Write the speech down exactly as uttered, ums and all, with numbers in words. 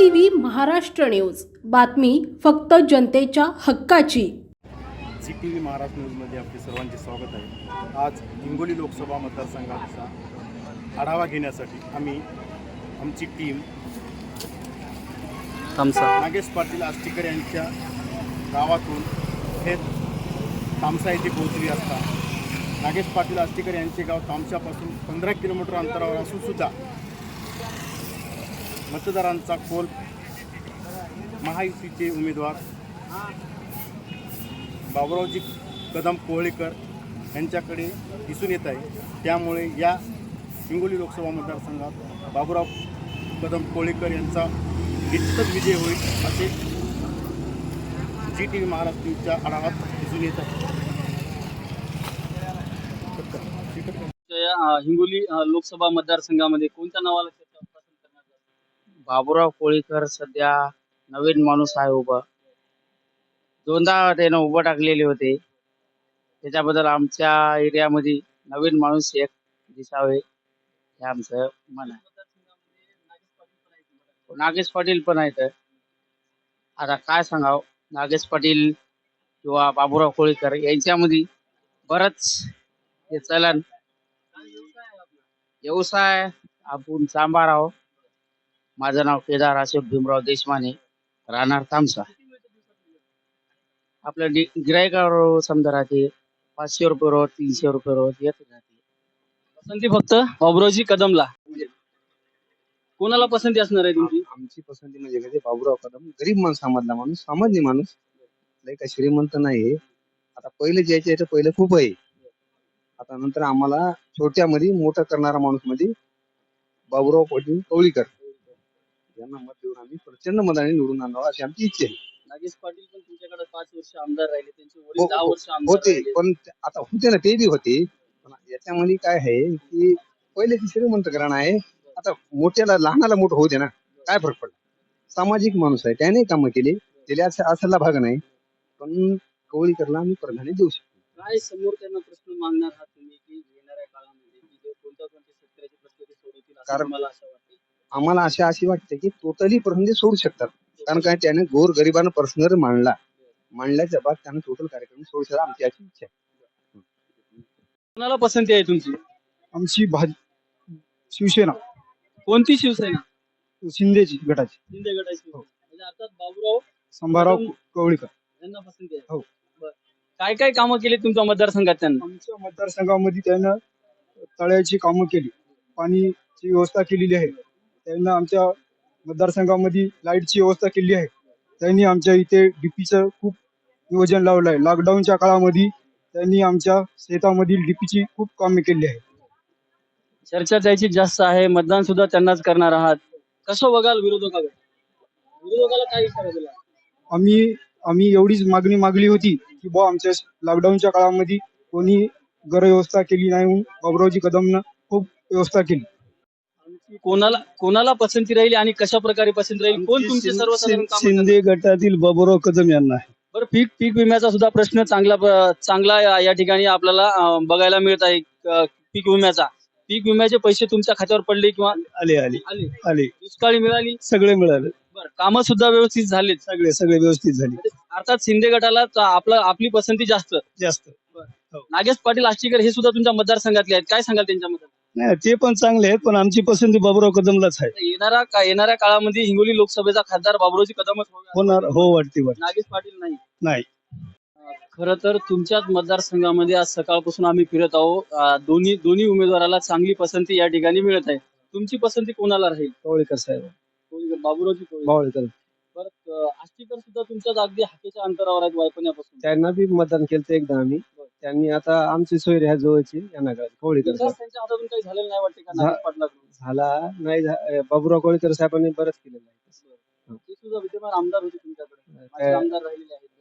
TV Maharashtra news, बातमी फक्त जनतेच्या हक्काची। झी टी व्ही महाराष्ट्र न्यूजमध्ये आपले सर्वांचे स्वागत आहे। आज हिंगोली लोकसभा मतदारसंघाचा आढावा घेण्यासाठी आम्ही आमची टीम नागेश पाटील आष्टीकर यांच्या गावातून थेट तामसा येथे पोहोचली असता नागेश पाटील आष्टीकर यांचे गाव तामसापासून पंधरा किलोमीटर अंतरावर असून सुद्धा मतदारांचा कौल महायुतीचे उमेदवार बाबुरावजी कदम कोहळीकर यांच्याकडे दिसून येत आहे। त्यामुळे या हिंगोली लोकसभा मतदारसंघात बाबुराव कदम कोहळीकर यांचा निश्चितच विजय होईल असे झी टी व्ही महाराष्ट्र न्यूजच्या आढावात दिसून येत आहे। हिंगोली लोकसभा मतदारसंघामध्ये कोणत्या नावाला पसंत करणार? बाबुराव कोळीकर सध्या नवीन माणूस आहे उभा, दोनदा त्यानं उभं टाकलेले होते, त्याच्याबद्दल आमच्या एरियामध्ये नवीन माणूस एक दिसावे हे आमचं मन आहे। नागेश पाटील पण आहेत। आता काय सांगावं, नागेश पाटील किंवा बाबुराव कोळीकर यांच्यामध्ये बरंच हे चलन व्यवसाय आपण सांभाळ आहोत। माझं नाव केदार अशोक भीमराव देशमाने, राहणार तामसा। आपलं गिरायकावर समजा राहते पाचशे रुपये रोज, तीनशे रुपये रोज येत राहते। पसंती फक्त बाबुरावजी कदमला, कोणाला पसंती असणार आहे तुमची? आमची पसंती म्हणजे कधी बाबुराव कदम, गरीब माणूस, सामान्य माणूस, सामान्य माणूस, लय काय श्रीमंत नाही। आता पहिले ज्याच्या याचं पहिलं खूप आहे, आता नंतर आम्हाला छोट्यामध्ये मोठं करणारा माणूस मध्ये बाबुराव पाटील कोळीकर यांना मत देऊन आम्ही प्रचंड मताने निवडून आणावं अशी आमची इच्छा आहे। नागेश पाटील पण तुमच्याकडे पाच वर्ष आमदार राहिले, त्यांचे वडील दहा वर्ष आमदार होते, राहिले। पण आता होते ना, ते बी होते, पण याच्यामध्ये काय आहे की पहिले ती श्रीमंत घराणं आहे, आता मोठ्याला लहानाला मोठं होते ना, काय फरक पडला? सामाजिक माणूस आहे, त्याने कामं केली, त्याला असं असायला भाग नाही, पण कोळीकरला आम्ही प्राधान्य देऊ शकतो। काय समोर त्यांना प्रश्न मागणार आहात तुम्ही की येणाऱ्या काळामध्ये की जे कोणत्या कोणत्या शेतकऱ्याचे प्रश्न ते सोडवतील असं कारण मला असं वाटतं? आम्हाला अशा अशी वाटते की टोटली प्रश्न सोडू शकतात, कारण काय त्याने गोर गरिबांना प्रश्न मांडला मांडल्याच्या बाद त्याने टोटल कार्यक्रम सोडू शकतात, आमची अशी इच्छा आहे। कोणाला पसंती आहे तुमची? आमची भाज शिवसेना, कोणती शिवसेना? शिंदेची गटाची, शिंदे गटाची। म्हणजे अर्थात बाबुराव संभाराव कोळीकर यांना पसंती आहे। हो। बरं. काय काय कामं केली तुमच्या मतदारसंघात त्यांना? आमच्या मतदारसंघामध्ये त्यानं तळ्याची कामं केली, पाणीची व्यवस्था केलेली आहे, त्यांना आमच्या मतदारसंघामध्ये लाईटची व्यवस्था केली आहे, त्यांनी आमच्या इथे डीपीचं खूप नियोजन लावलं आहे। लॉकडाऊनच्या काळामध्ये त्यांनी आमच्या शेतामधील डीपीची खूप कामे केली आहे। चर्चा त्याची जास्त आहे, मतदान सुद्धा त्यांनाच करणार आहात, कसं बघाल विरोधकाला? विरोधकाला काय विचार दिला? आम्ही आम्ही एवढीच मागणी मागली होती की बुवा आमच्या लॉकडाऊनच्या काळामध्ये कोणी घर व्यवस्था केली नाही, म्हणून बाबुरावजी कदमनं खूप व्यवस्था केली। कोणाला कोणाला पसंती राहील आणि कशा प्रकारे पसंती राहील? कोण तुमचे सर्वसाधारण कामं करणार? शिंदे गटातील बाबुराव कदम यांना आहे। बरं, पीक पीक विम्याचा सुद्धा प्रश्न चांगला चांगला या- या ठिकाणी आपल्याला अं, बघायला मिळत आहे। अं, पीक विम्याचा पीक विम्याचे पैसे तुमच्या खात्यावर पडले किंवा आले आले आले? आले दुष्काळी मिळाली? सगळे मिळाले, बरं, कामं सुद्धा व्यवस्थित झालीत? सगळे सगळे व्यवस्थित झाले, अर्थात शिंदे गटाला चा- आपला आपली पसंती जास्त। जास्त। नागेश पाटील आष्टीकर हे सुद्धा तुमच्या मतदारसंघातले आहेत, काय सांगाल त्यांच्याबद्दल? नाही, ते पण चांगले आहेत, पण आमची पसंती बाबुराव कदमलाच आहे। येणारा का येणाऱ्या काळामध्ये हिंगोली लोकसभेचा खासदार बाबुरावजी कदमच होणार, हो वाटते वाटते नागेश पाटील नाही? नाही। खरं तर तुमच्याच मतदारसंघामध्ये आज सकाळपासून आम्ही फिरत आहोत, अं, दोन्ही दोन्ही उमेदवाराला चांगली पसंती या ठिकाणी मिळत आहे। तुमची पसंती कोणाला राहील? कोळीकर साहेब, कोळीकर, बाबुरावजी कोळीकर। बावळकर, बरं, अं, आष्टीकर सुद्धा तुमच्याच अगदी हाकेच्या अंतरावर आहेत वायपण्यापासून। त्यांना बी मतदान केलं एकदा आम्ही, त्यांनी आता आमची सोयरी ह्या जवळची यांना कळली, कोळीकर विकास त्यांच्या हातातून काही झालेलं नाही वाटते का झा- नागेश पाटलाकडून? झाला नाही, झा- बाबुराव कोळीकर साहेबांनी बरंच केलेलं आहे। ते सुद्धा विद्यमान आमदार होते तुमच्याकडे, माझे काय- आमदार राहिलेले आहेत.